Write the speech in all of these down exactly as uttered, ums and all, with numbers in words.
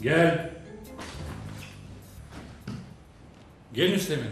Gel. Gel Üsteğmen.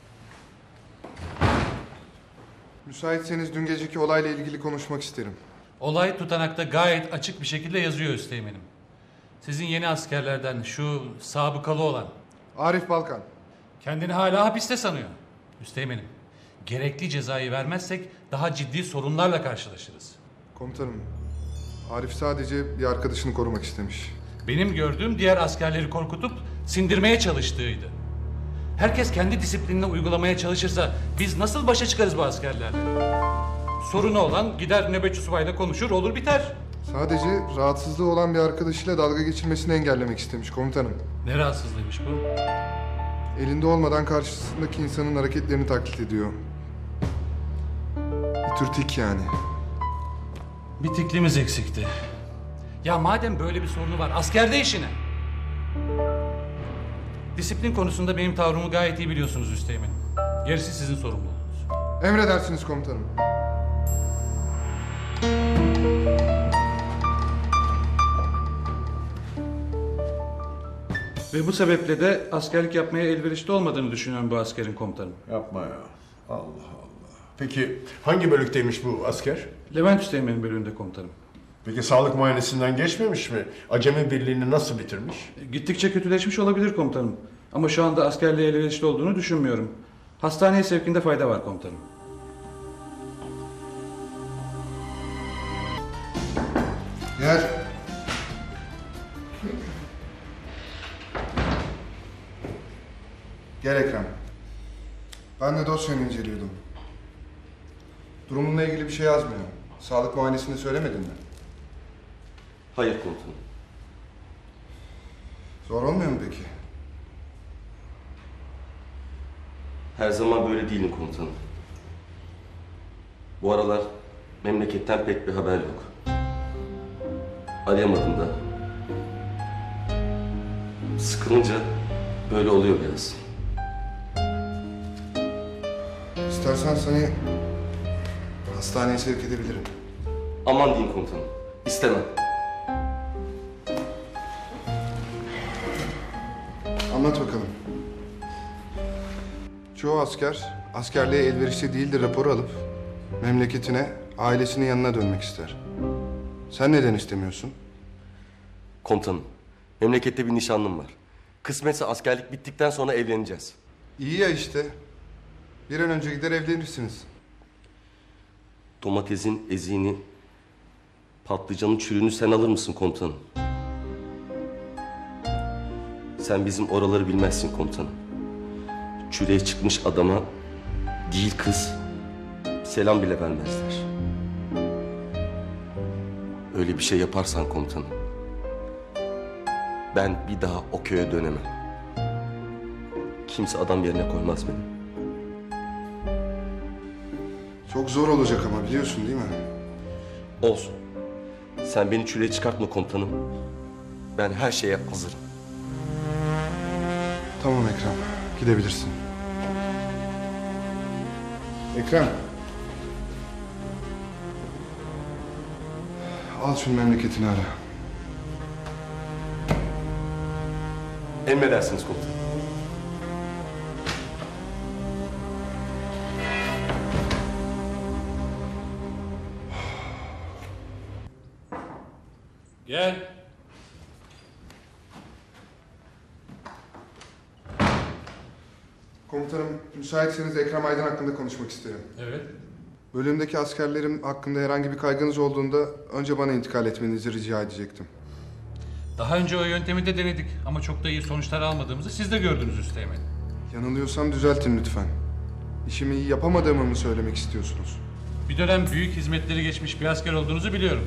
Müsaitseniz dün geceki olayla ilgili konuşmak isterim. Olay tutanakta gayet açık bir şekilde yazıyor Üsteğmen'im. Sizin yeni askerlerden şu sabıkalı olan Arif Balkan. kendini hala hapiste sanıyor. Üsteğmen'im, gerekli cezayı vermezsek daha ciddi sorunlarla karşılaşırız. Komutanım, Arif sadece bir arkadaşını korumak istemiş. Benim gördüğüm diğer askerleri korkutup sindirmeye çalıştığıydı. Herkes kendi disiplinini uygulamaya çalışırsa biz nasıl başa çıkarız bu askerlerle? Sorunu olan gider nöbetçi subayla konuşur, olur biter. Sadece rahatsızlığı olan bir arkadaşıyla dalga geçirmesini engellemek istemiş komutanım. Ne rahatsızlığıymış bu? Elinde olmadan karşısındaki insanın hareketlerini taklit ediyor. Bir tür tik yani. Bir tiklimiz eksikti. Ya madem böyle bir sorunu var, askerde işine. Disiplin konusunda benim tavrımı gayet iyi biliyorsunuz Üsteğmen'im. Gerisi sizin sorumluluğunuz. Emredersiniz komutanım. Ve bu sebeple de askerlik yapmaya elverişli olmadığını düşünüyorum bu askerin komutanım. Yapma ya. Allah Allah. Peki hangi bölükteymiş bu asker? Levent Üsteğmen'in bölüğünde komutanım. Peki sağlık muayenesinden geçmemiş mi? Acemi birliğini nasıl bitirmiş? Gittikçe kötüleşmiş olabilir komutanım. Ama şu anda askerliğe elverişli olduğunu düşünmüyorum. Hastaneye sevkinde fayda var komutanım. Gel. Gel Ekrem. Ben de dosyanı inceliyordum. Durumunla ilgili bir şey yazmıyor. Sağlık muayenesini söylemedin mi? Hayır komutanım. Zor olmuyor mu peki? Her zaman böyle değilim komutanım. Bu aralar memleketten pek bir haber yok. Arayamadım da. Sıkılınca böyle oluyor biraz. İstersen seni hastaneye sevk edebilirim. Aman diyeyim komutanım. İstemem. Anlat bakalım. Çoğu asker askerliğe elverişli değildir raporu alıp memleketine, ailesinin yanına dönmek ister. Sen neden istemiyorsun? Komutanım, memlekette bir nişanlım var. Kısmetse askerlik bittikten sonra evleneceğiz. İyi ya işte. Bir an önce gider evlenirsiniz. Domatesin eziğini, patlıcanın çürüğünü sen alır mısın komutanım? Sen bizim oraları bilmezsin komutanım. Çüreğe çıkmış adama değil kız, selam bile vermezler. Öyle bir şey yaparsan komutanım, ben bir daha o köye dönemem. Kimse adam yerine koymaz beni. Çok zor olacak ama biliyorsun değil mi? Olsun. Sen beni çüreğe çıkartma komutanım. Ben her şeye hazırım. Tamam Ekrem, gidebilirsin. Ekrem. Al şunu memleketini ara. Emredersiniz komutanım. Gel. Komutanım, müsaitseniz Ekrem Aydın hakkında konuşmak isterim. Evet. Bölümdeki askerlerim hakkında herhangi bir kaygınız olduğunda önce bana intikal etmenizi rica edecektim. Daha önce o yöntemi de denedik ama çok da iyi sonuçlar almadığımızı siz de gördünüz Üsteğmen. Yanılıyorsam düzeltin lütfen. İşimi iyi yapamadığımı mı söylemek istiyorsunuz? Bir dönem büyük hizmetleri geçmiş bir asker olduğunuzu biliyorum.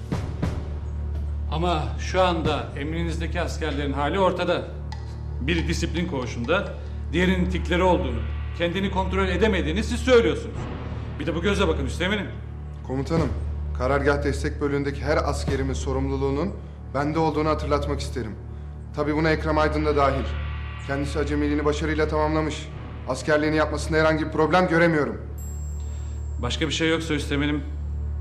Ama şu anda emrinizdeki askerlerin hali ortada. Biri disiplin koğuşunda, diğerinin tikleri olduğunu, kendini kontrol edemediğini siz söylüyorsunuz. Bir de bu gözle bakın Üsteğmen'im. Komutanım, karargah destek bölüğündeki her askerimin sorumluluğunun bende olduğunu hatırlatmak isterim. Tabii buna Ekrem Aydın da dahil. Kendisi acemiliğini başarıyla tamamlamış. Askerliğini yapmasında herhangi bir problem göremiyorum. Başka bir şey yoksa Üsteğmen'im.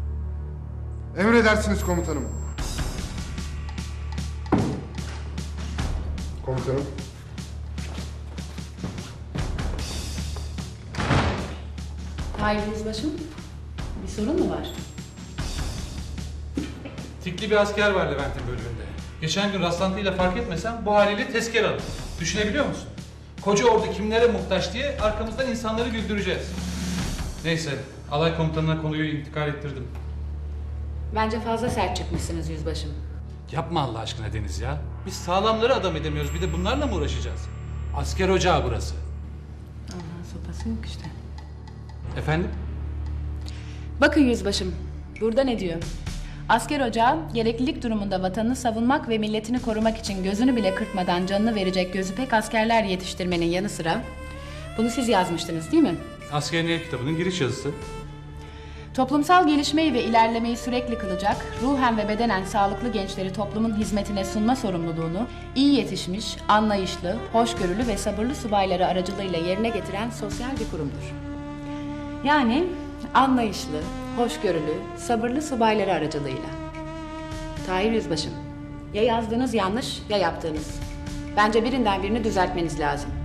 Emredersiniz komutanım. Komutanım. Hayır Yüzbaşım, bir sorun mu var? Tikli bir asker var Levent'in bölümünde. Geçen gün rastlantıyla fark etmesem bu haliyle tezkere alır. Düşünebiliyor musun? Koca ordu kimlere muhtaç diye arkamızdan insanları güldüreceğiz. Neyse, alay komutanına konuyu intikal ettirdim. Bence fazla sert çıkmışsınız Yüzbaşım. Yapma Allah aşkına Deniz ya. Biz sağlamları adam edemiyoruz. Bir de bunlarla mı uğraşacağız? Asker ocağı burası. Allah'ın sopası yok işte. Efendim? Bakın Yüzbaşım, burada ne diyor? Asker ocağı, gereklilik durumunda vatanını savunmak ve milletini korumak için gözünü bile kırpmadan canını verecek gözü pek askerler yetiştirmenin yanı sıra... Bunu siz yazmıştınız değil mi? Askerliğe kitabının giriş yazısı. Toplumsal gelişmeyi ve ilerlemeyi sürekli kılacak, ruhen ve bedenen sağlıklı gençleri toplumun hizmetine sunma sorumluluğunu iyi yetişmiş, anlayışlı, hoşgörülü ve sabırlı subayları aracılığıyla yerine getiren sosyal bir kurumdur. Yani anlayışlı, hoşgörülü, sabırlı subayları aracılığıyla. Tahir Yüzbaşım, ya yazdığınız yanlış ya yaptığınız. Bence birinden birini düzeltmeniz lazım.